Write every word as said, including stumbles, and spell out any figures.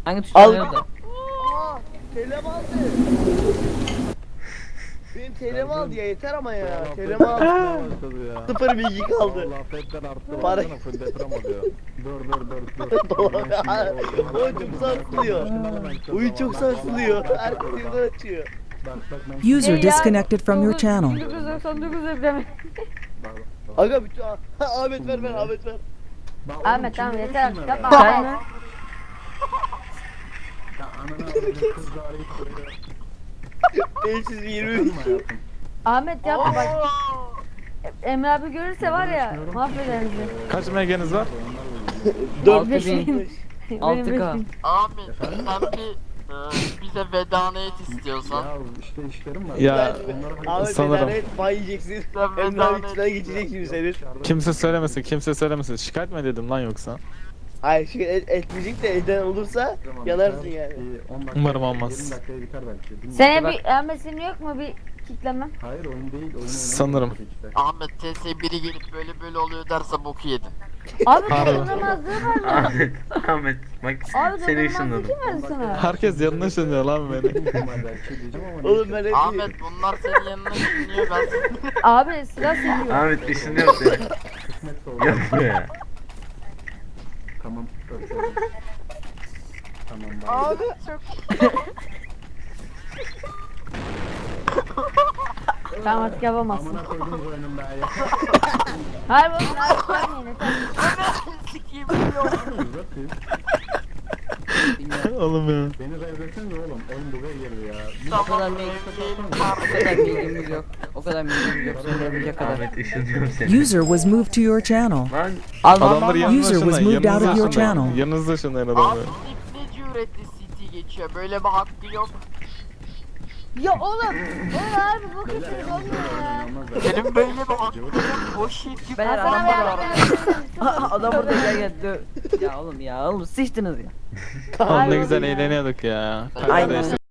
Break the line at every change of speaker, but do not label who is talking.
Hangi tuşa
Al.
nerede?
Aa, telem aldı. Benim telem aldı ya, yeter ama ya. Telem aldı. Sıfır bilgi kaldı.
Allah affetten arttı.
Para-
Baksana full deprem oluyor. Dur dur dur dur.
Oyun çok sarsılıyor. Oyun çok sarsılıyor. Herkes yerden açıyor.
Bak bak ben
User
Şey
disconnected from your channel.
bin dokuz yüz doksan dokuz depremi.
bak, bak.
Aga bütün Ahmet ver ver Ahmet ver.
Bak oğlum,
Ahmet
kim
tamam
verir
yeter
şunları
yapma
ya?
Ahmet.
Ya ananı avradım, kız da arayıp duruyor.
beş yüz yirmi
Yapma
iki.
hayatım.
Ahmet yapma bak. Emre abi görürse var ya mahveder bizi.
Kaç megeniz var?
dört
Altı
beş
bin.
beş.
Benim
altı K.
beş bin.
Ahmet sen bir e, bize vedana et istiyorsan.
Ya işte işlerim var.
Ya,
Onları halledeceğim.
Ahmet
sanırım.
Sanırım. Bay yiyeceksin.
Sen
Emre
vedana
abi
et.
içinden geçecek şimdi senin.
Kimse söylemesin, kimse söylemesin. Şikayet mi edelim lan yoksa?
Hayır şey et, etmeyecek de eden olursa
Tamam,
yanarsın
biter.
yani.
Bir on dakika,
Umarım olmaz.
yirmi dakikaya biter belki. Bilmiyorum.
Senin
Bak-
bir Ahmet senin yok mu bir kitleme?
Hayır oyun değil. Oyun oynamıyorum
Sanırım.
tabii ki de.
Ahmet T S biri gelip böyle böyle oluyor derse boku yedin.
Abi
Pardon.
dokunamazlığı var mı?
Ahmet, Ahmet bak
Abi
seni
dokunamazlığı
ışınladım.
kim verdi sana?
Herkes yanına ışınlıyor lan beni.
İhtimal belki diyeceğim ama
Oğlum
neyse.
ben hep
Ahmet bunlar senin yanına dinliyor ben seni.
Abi sıra seviyor.
Ahmet ışınlıyor seni.
Kısmetse olur.
Yapma ya.
Tamam. Öpüyorum. Tamam. bye.
Tamam artık yapamazsın.
Amına koydum oyunun be ya.
Hayır oğlum abi yapmayın yeter.
Sikiyim biliyorum.
Uzatayım.
Oğlum ya.
Beni revresene oğlum. Oyun buraya girdi ya. Bir
O kadar
Tamam
bilgi-
evliyim
O kadar bilgimiz yok. O kadar bilgimiz yok. Söyleyebilecek kadar.
Ahmet ışınlıyor seni.
User was moved to your channel.
Lan
Adamları yanınıza
User was
ışınlayın.
moved out of
Yanınıza
your
ışınlayın.
channel.
Yanınıza ışınlayın
Abi
adamları.
ne cüretli City geçiyor böyle bir hakkı yok.
Ya oğlum. Oğlum abi bu kısır olmuyor ya.
Senin böyle bir hakkı yok. O shit
Beyler
Hasan
adam
abi
burada.
yapma.
Adam burada gel gel. dö- Ya oğlum ya oğlum sıçtınız ya.
Oğlum ne güzel eğleniyorduk ya.
Aynen.
Kardeşler.